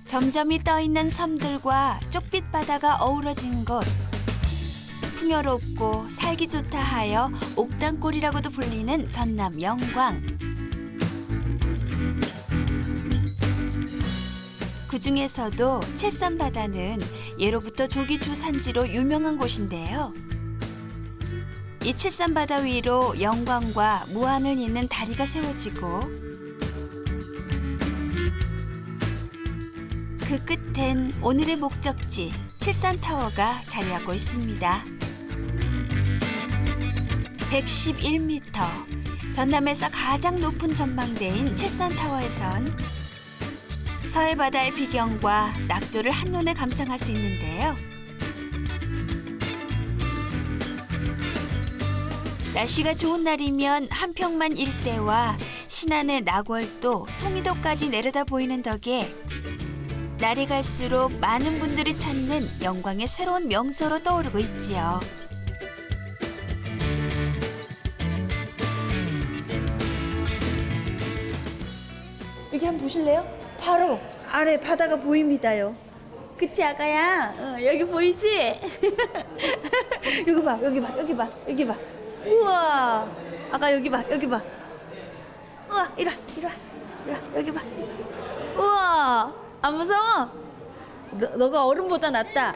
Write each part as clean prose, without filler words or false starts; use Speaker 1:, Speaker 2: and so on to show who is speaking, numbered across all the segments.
Speaker 1: 점점이 떠있는 섬들과 쪽빛 바다가 어우러진 곳. 풍요롭고 살기 좋다 하여 옥당골이라고도 불리는 전남 영광. 그중에서도 칠산바다는 예로부터 조기 주산지로 유명한 곳인데요. 이 칠산바다 위로 영광과 무안을 잇는 다리가 세워지고 그 끝엔 오늘의 목적지 칠산타워가 자리하고 있습니다. 111m, 전남에서 가장 높은 전망대인 칠산타워에선 서해 바다의 비경과 낙조를 한눈에 감상할 수 있는데요. 날씨가 좋은 날이면 한평만 일대와 신안의 낙월도, 송이도까지 내려다 보이는 덕에 날이 갈수록 많은 분들이 찾는 영광의 새로운 명소로 떠오르고 있지요.
Speaker 2: 여기 한번 보실래요? 바로 아래 바다가 보입니다요. 그치 아가야? 여기 보이지? 여기 봐, 여기 봐, 여기 봐, 여기 봐. 우와, 아가 여기 봐, 여기 봐. 우와, 이리 와, 이리 와, 이리 와, 여기 봐. 우와, 안 무서워? 너가 어른보다 낫다.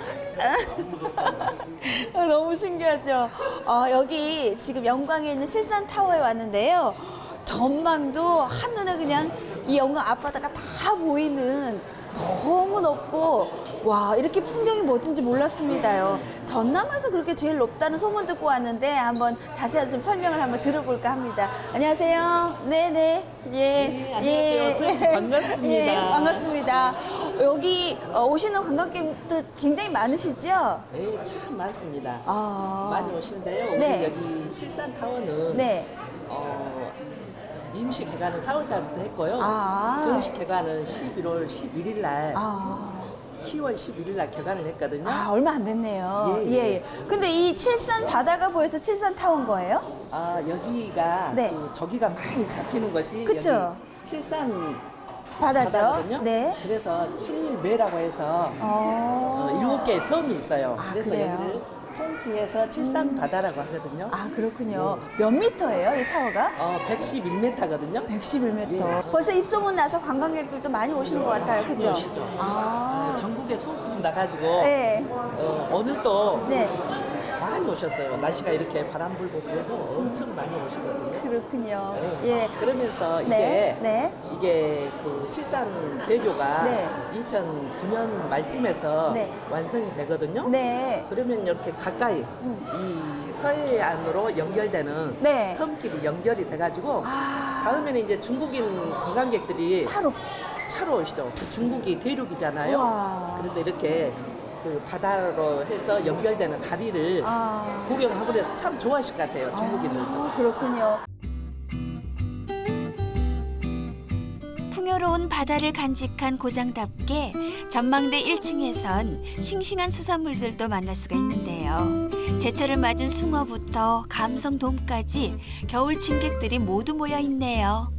Speaker 2: 너무 신기하죠? 여기 지금 영광에 있는 칠산타워에 왔는데요. 전망도 한눈에 그냥 이 영광 앞바다가 다 보이는 너무 높고 와 이렇게 풍경이 멋진지 몰랐습니다요. 전남에서 그렇게 제일 높다는 소문 듣고 왔는데 한번 자세히 좀 설명을 한번 들어볼까 합니다. 안녕하세요. 네네. 예.
Speaker 3: 네, 안녕하세요. 선생님, 반갑습니다.
Speaker 2: 예, 반갑습니다. 여기 오시는 관광객들 굉장히 많으시죠?
Speaker 3: 네, 참 많습니다.
Speaker 2: 아.
Speaker 3: 많이 오시는데요. 우리
Speaker 2: 네.
Speaker 3: 여기 칠산타워는
Speaker 2: 네.
Speaker 3: 임시 개관은 4월달부터 했고요.
Speaker 2: 아.
Speaker 3: 정식 개관은 11월 11일 날,
Speaker 2: 아.
Speaker 3: 10월 11일 날 개관을 했거든요.
Speaker 2: 얼마 안 됐네요.
Speaker 3: 예, 예.
Speaker 2: 근데 이 칠산 바다가 보여서 칠산 타운 거예요?
Speaker 3: 여기가
Speaker 2: 네.
Speaker 3: 그 조기가 많이 잡히는 것이
Speaker 2: 그쵸?
Speaker 3: 여기 칠산
Speaker 2: 바다죠?
Speaker 3: 바다거든요.
Speaker 2: 네.
Speaker 3: 그래서 칠매라고 해서 7개의 섬이 있어요.
Speaker 2: 아,
Speaker 3: 그래서
Speaker 2: 그래요?
Speaker 3: 여기를 통칭해서 칠산 바다라고 하거든요.
Speaker 2: 아, 그렇군요. 몇 미터예요, 이 타워가?
Speaker 3: 111m거든요.
Speaker 2: 111m.
Speaker 3: 예.
Speaker 2: 벌써 입소문 나서 관광객들도 많이 오시는 것 같아요. 그죠?
Speaker 3: 오시죠.
Speaker 2: 아.
Speaker 3: 전국에 소문이 나가지고
Speaker 2: 네.
Speaker 3: 오늘도
Speaker 2: 네.
Speaker 3: 많이 오셨어요. 날씨가 이렇게 바람 불고 그래도 엄청 많이 오시거든요.
Speaker 2: 그렇군요.
Speaker 3: 네.
Speaker 2: 예.
Speaker 3: 그러면서
Speaker 2: 네, 네.
Speaker 3: 이게 그 칠산 대교가
Speaker 2: 네.
Speaker 3: 2009년 말쯤에서
Speaker 2: 네.
Speaker 3: 완성이 되거든요.
Speaker 2: 네.
Speaker 3: 그러면 이렇게 가까이 이 서해안으로 연결되는
Speaker 2: 네.
Speaker 3: 섬길이 연결이 돼가지고
Speaker 2: 아.
Speaker 3: 다음에는 이제 중국인 관광객들이
Speaker 2: 차로.
Speaker 3: 오시죠. 그 중국이 대륙이잖아요.
Speaker 2: 우와.
Speaker 3: 그래서 이렇게 그 바다로 해서 연결되는 다리를
Speaker 2: 아.
Speaker 3: 구경하고 그래서 참 좋아하실 것 같아요. 중국인들도.
Speaker 2: 아, 그렇군요.
Speaker 1: 풍요로운 바다를 간직한 고장답게 전망대 1층에선 싱싱한 수산물들도 만날 수가 있는데요. 제철을 맞은 숭어부터 감성돔까지 겨울 침객들이 모두 모여 있네요.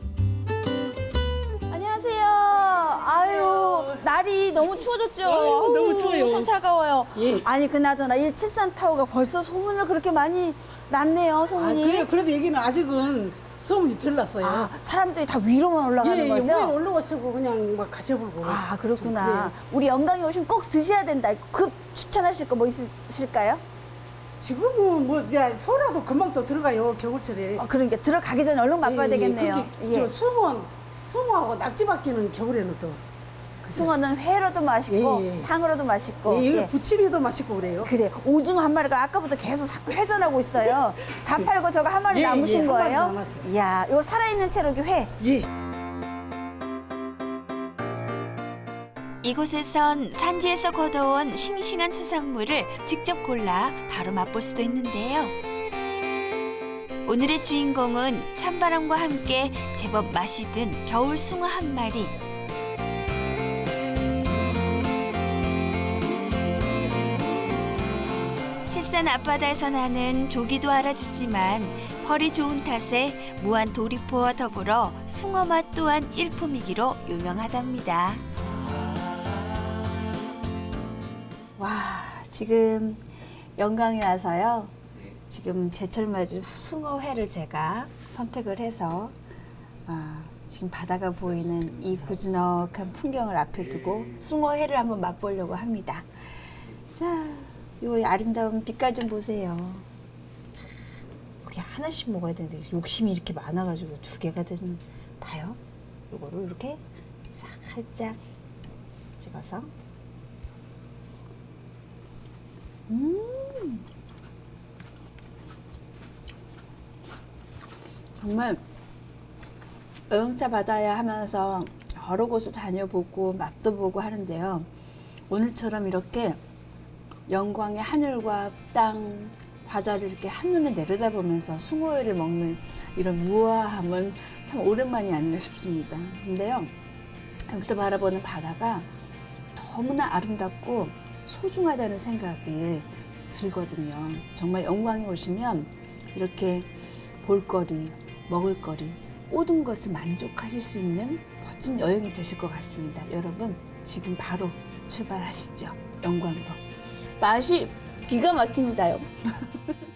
Speaker 2: 안녕하세요. 아유, 날이 너무 추워졌죠?
Speaker 4: 아유, 너무 추워요.
Speaker 2: 손 차가워요.
Speaker 4: 예.
Speaker 2: 아니, 그나저나 이 칠산타워가 벌써 소문을 그렇게 많이 났네요, 소문이.
Speaker 4: 그래요. 그래도 여기는 아직은 소문이 덜 났어요.
Speaker 2: 아, 사람들이 다 위로만 올라가는
Speaker 4: 예,
Speaker 2: 거죠?
Speaker 4: 위에 올라오시고 그냥 막 가셔보고.
Speaker 2: 아, 그렇구나.
Speaker 4: 좀 그래요.
Speaker 2: 우리 영광에 오시면 꼭 드셔야 된다. 급 추천하실 거 뭐 있으실까요?
Speaker 4: 지금은 뭐 이제 소라도 금방 또 들어가요 겨울철에.
Speaker 2: 그러니까 들어가기 전에 얼른 맛봐야 되겠네요.
Speaker 4: 그게 저 숭어하고 낙지밖에는 겨울에는 또.
Speaker 2: 숭어는 회로도 맛있고
Speaker 4: 예, 예.
Speaker 2: 탕으로도 맛있고.
Speaker 4: 예, 이거
Speaker 2: 예.
Speaker 4: 부침이도 맛있고 그래요.
Speaker 2: 그래, 오징어 한 마리가 아까부터 계속 회전하고 있어요. 다 팔고 저거 한 마리
Speaker 4: 예,
Speaker 2: 남으신
Speaker 4: 예, 한 마리
Speaker 2: 거예요?
Speaker 4: 남았어요.
Speaker 2: 이야, 이거 살아있는 채로 여기 회.
Speaker 4: 예.
Speaker 1: 이곳에선 산지에서 걷어온 싱싱한 수산물을 직접 골라 바로 맛볼 수도 있는데요. 오늘의 주인공은 찬바람과 함께 제법 맛이 든 겨울 숭어 한 마리. 칠산 앞바다에서 나는 조기도 알아주지만 펄이 좋은 탓에 무한 도리포와 더불어 숭어 맛 또한 일품이기로 유명하답니다.
Speaker 2: 지금 영광에 와서요. 지금 제철 맞은 숭어회를 제가 선택을 해서 지금 바다가 보이는 이 고즈넉한 풍경을 앞에 두고 숭어회를 한번 맛보려고 합니다. 자, 이 아름다운 빛깔 좀 보세요. 참, 이렇게 하나씩 먹어야 되는데 욕심이 이렇게 많아가지고 2개가 되는. 봐요. 이거를 이렇게 살짝 찍어서. 정말 여행자 바다야 하면서 여러 곳을 다녀보고 맛도 보고 하는데요. 오늘처럼 이렇게 영광의 하늘과 땅, 바다를 이렇게 한눈에 내려다보면서 숭어회를 먹는 이런 우아함은 참 오랜만이 아닌가 싶습니다. 근데요, 여기서 바라보는 바다가 너무나 아름답고 소중하다는 생각이 들거든요. 정말 영광에 오시면 이렇게 볼거리, 먹을거리, 모든 것을 만족하실 수 있는 멋진 여행이 되실 것 같습니다. 여러분, 지금 바로 출발하시죠. 영광으로. 맛이 기가 막힙니다요.